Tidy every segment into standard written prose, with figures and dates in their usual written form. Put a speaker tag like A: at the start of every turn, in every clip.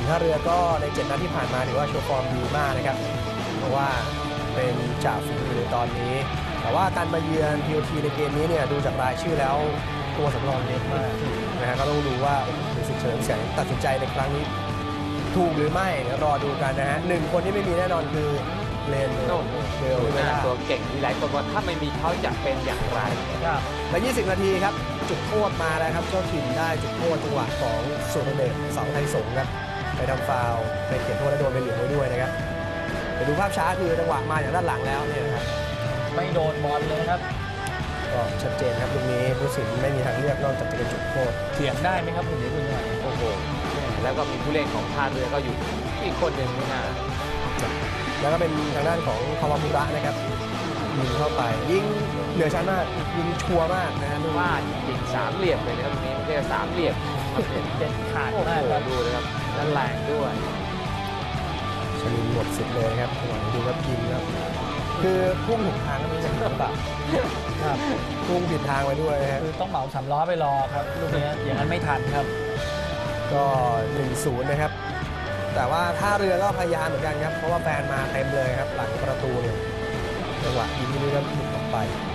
A: ท่าเรือก็ใน7 นัดที่ผ่านมาถือว่าโชว์ฟอร์มดีมากนะครับเพราะว่าเป็นจ่าฝูงอยู่ในตอนนี้แต่ว่าการมาเยือน TOT ในเกมนี้เนี่ยดูจากรายชื่อแล้วตัวสำรองเยอะมากนะฮะก็ต้องดูว่าดูสิเฉลิมแสงตัดสินใจในครั้งนี้ถูกหรือไม่เดี๋ยวรอดูกันนะฮะ1 คนที่ไม่มีแน่นอนคือเลนเดลเวลา
B: ตัวเก่งที่หลายคนว่าถ้าไม่มีเขาจะเป็นอย่างไร
A: ครับและ20 นาทีครับจุดโทษมาแล้วครับเจ้าถิ่นได้จุดโทษจังหวะของสุรเดชเสาไทยสงฆ์ครับไปทำฟาวล์ไปเขียนโทษและโดนไปเหลืองไว้ด้วยนะครับไปดูภาพช้าคือจังหวะมาจากด้านหลังแล้วเนี่ยนะครับ
C: ไม่โดนบอลเลยครับ
A: ก็ชัดเจนครับตรงนี้ผู้สินไม่มีทางเลือกนอกจากจะเป็นจุดโทษ
C: เถียงได้ไหมครับคุณหญิงคุณหน่อย
B: โอ้โหแล้วก็มีผู้เล่นของท่าเรือก็อยู่อีกคนหนึ่งนะ
A: แล้วก็เป็นทางด้านของคาวามุระนะครับยิงเข้าไปยิงเหนือชั้นมากยิงชัวร์มากนะฮะ
B: ว่ายิง3 เหลี่ยมเลยนะครับตรงนี้ไม่ใช่3 เหลี่ยม
C: เด็ดขาด
B: มากครับดูนะครับนั่นแรงด้วย
A: ชลินหมดสิทธิ์เลยครับหวังดูครับยิงครับคือพุ่งถูกทางก็ไม่ใช่หรือเปล่าครับพุ่งผิดทางไปด้วยนะ
C: คือต้องเหมา3 ล้อไปรอครับลูกนี้อย่างนั้นไม่ทันครับ
A: ก็ 1-0 นะครับแต่ว่าท่าเรือก็พยายามเหมือนกันครับเพราะว่าแฟนมาเต็มเลยครับหลังประตูเนี่ยจังหวะยิงนี้ก็หลุดออกไป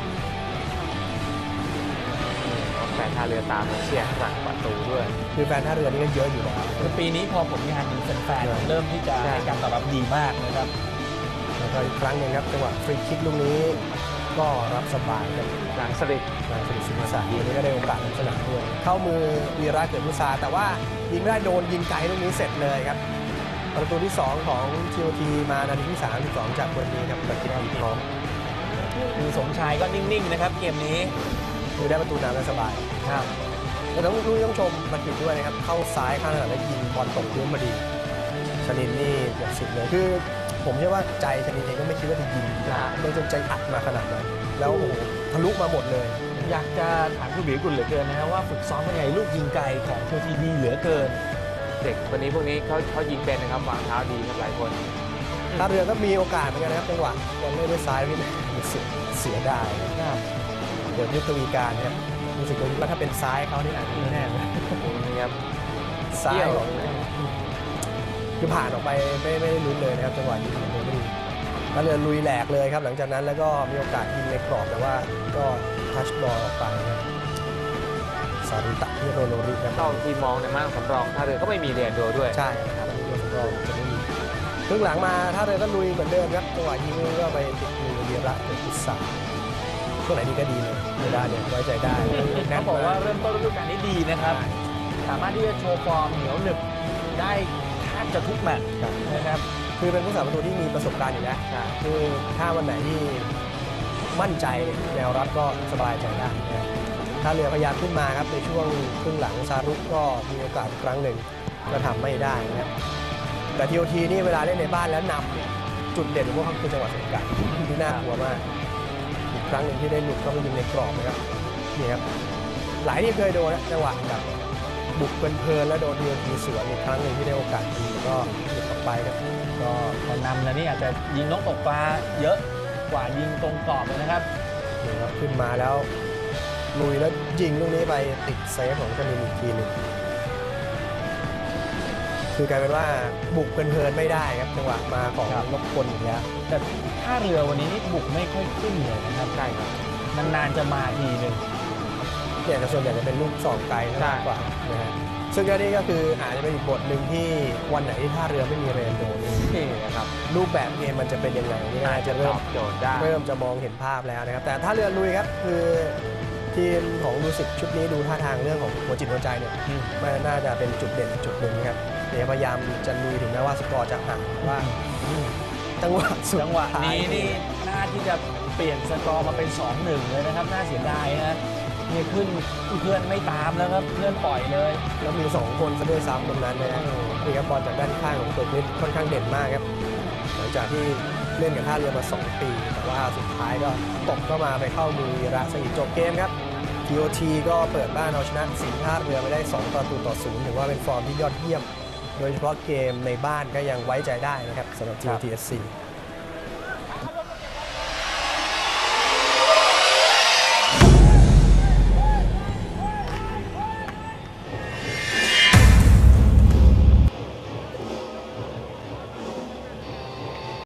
B: แฟนท่าเรือตามมาเชียร์หลังประตูด้วย
A: คือแฟนท่าเรือนี่ก็เยอะอยู่แล้ว
C: คือปีนี้พอผลงานดีแฟนๆเริ่มที่จะให้การตอบรับดีมากนะครับ
A: แล้วก็อีกครั้งหนึ่งครับจังหวะฟรีคิกลูกนี้ก็รับสบายครับ
B: หลังสลิด
A: สิงห์สายวันนี้ก็ได้โอกาสในสนามด้วยเข้ามือวีระเกิดมุสาแต่ว่ายิงไม่ได้โดนยิงไกลลูกนี้เสร็จเลยครับประตูที่2ของ TOT มานาทีที่32จากวันนี้ครับประกิตพร้อม
C: คือสมชายก็นิ่งๆนะครับเกมนี้
A: คือได้ประตูนำได้สบาย
C: ครับ
A: แล้วต้องชมประกิตด้วยนะครับเข้าซ้ายข้างหน้าแล้วยิงบอลตกพื้นพอดีชลินนี่หมดสิทธิ์เลยคือผมเชื่อว่าใจชลินเองก็ไม่คิดว่าจะยิงไม่จนใจอัดมาขนาดนั้นแล้วโอ้โหทะลุมาหมดเลย
C: อยากจะถามคุณบีกุลเหลือเกินนะครับว่าฝึกซ้อมยังไงลูกยิงไกลของโชทีดีเหลือเกิน
B: เด็กคนนี้พวกนี้เขายิงเป็นนะครับวางเท้าดีครับหลายคน
A: ท่าเรือก็มีโอกาสเหมือนกันนะครับจังหวะบอลเล่นด้วยซ้ายนี่เสียดายนะครับเดี๋ยวยุทธวีการครับรู้สึกว่าถ้าเป็นซ้ายเขานี่อาจจะไม่แน่เลย
B: นี่ครับ
A: ซ้ายคือผ่านออกไปไม่ลุ้นเลยนะครับจังหวะยิงของโรนี่ท่าเรือลุยแหลกเลยครับหลังจากนั้นแล้วก็มีโอกาสยิงในกรอบแต่ว่าก็ทัชบอลออกไปครับสาริตะที่โรโนริครับ
B: ต้องทีมองในม่านสำรองท่าเรือก็ไม่มีเรียนโดด้วย
A: ใช่ครับตัวสำรองจะไม่มีครึ่งหลังมาท่าเรือก็ลุยเหมือนเดิมครับจังหวะยิงก็ไปติดมือเวียระเกิดพุทธาช่วงไหนดีก็ดีเลยเวลาเนี่ยไว้ใจได้
C: เขาบอกว่าเริ่มต้นฤดูกาลนี้ดีนะครับสามารถที่จะโชว์ฟอร์มเหนียวหนึบได้แทบจะทุกแมตช์นะครับ
A: คือเป็นผู้สาประตูที่มีประสบการณ์อยู่แล้วคือถ้าวันไหนที่มั่นใจแนวรับก็สบายใจได้นะท่าเรือพยายามขึ้นมาครับในช่วงครึ่งหลังซารุก็มีโอกาสครั้งหนึ่งก็ทำไม่ได้นะครับแต่ TOT นี่เวลาเล่นในบ้านแล้วนำเนี่ยจุดเด่นของพวกเขาคือจังหวะสกัดที่น่ากลัวมากอีกครั้งหนึ่งที่ได้หลุดเข้าไปยิงในกรอบนะครับนี่ครับหลายที่เคยโดนนะจังหวะแบบบุกเพลินแล้วโดน TOT สวนอีกครั้งหนึ่งที่ได้โอกาสยิงก็หลุดออกไปครับ
C: ก็พอนำแล้วนี่อาจจะยิงนกตกปลาเยอะกว่ายิงตรงกรอบเลยนะครับ
A: นี่ครับขึ้นมาแล้วลุยแล้วยิงลูกนี้ไปติดเซฟของชลินอีกทีหนึ่งคือกลายเป็นว่าบุกเพลินไม่ได้ครับจังหวะมาของนพพลอย่างเงี้ย
C: แต่ท่าเรือวันนี้นี่บุกไม่ค่อยขึ้นเลยนะครับ
A: ใช่ครับ
C: นานๆจะมาทีนึง
A: เนี่ยส่วนใหญ่จะเป็นลูกสองไกลมากกว่านะฮะซึ่งนี่ก็คืออาจจะเป็นอีกบทหนึ่งที่วันไหนที่ท่าเรือไม่มีเรนโดนี่นะครับรูปแบบเกมมันจะเป็นยังไงนี่น่าจะเริ่มจะมองเห็นภาพแล้วนะครับแต่ท่าเรือลุยครับคือทีมของดูสิตชุดนี้ดูท่าทางเรื่องของหัวจิตหัวใจเนี่ยมันน่าจะเป็นจุดเด่นจุดหนึ่งนะครับพยายามจะลุยถึงแม้ว่าสกอร์จะห่างว่าจังหวะ
C: นี้นี่น่าที่จะเปลี่ยนสกอร์มาเป็น 2-1 เลยนะครับน่าเสียดายนะนี่ขึ้นเพื่อนไม่ตามแล้วครับเพื่อนปล่อยเลย
A: แล้วมี2คนซะด้วยซ้ำตรงนั้นนะนี่ครับบอลจากด้านข้างของตัวนี้ค่อนข้างเด่นมากครับหลังจากที่เล่นกับท่าเรือมา2 ปีแต่ว่าสุดท้ายก็ตกเข้ามาไปเข้ามือวีระซะอีกจบเกมครับ TOT ก็เปิดบ้านเอาชนะสิงห์ท่าเรือไปได้2-0ถือว่าเป็นฟอร์มที่ยอดเยี่ยมโดยเฉพาะเกมในบ้านก็ยังไว้ใจได้นะครับสำหรับ TOT SC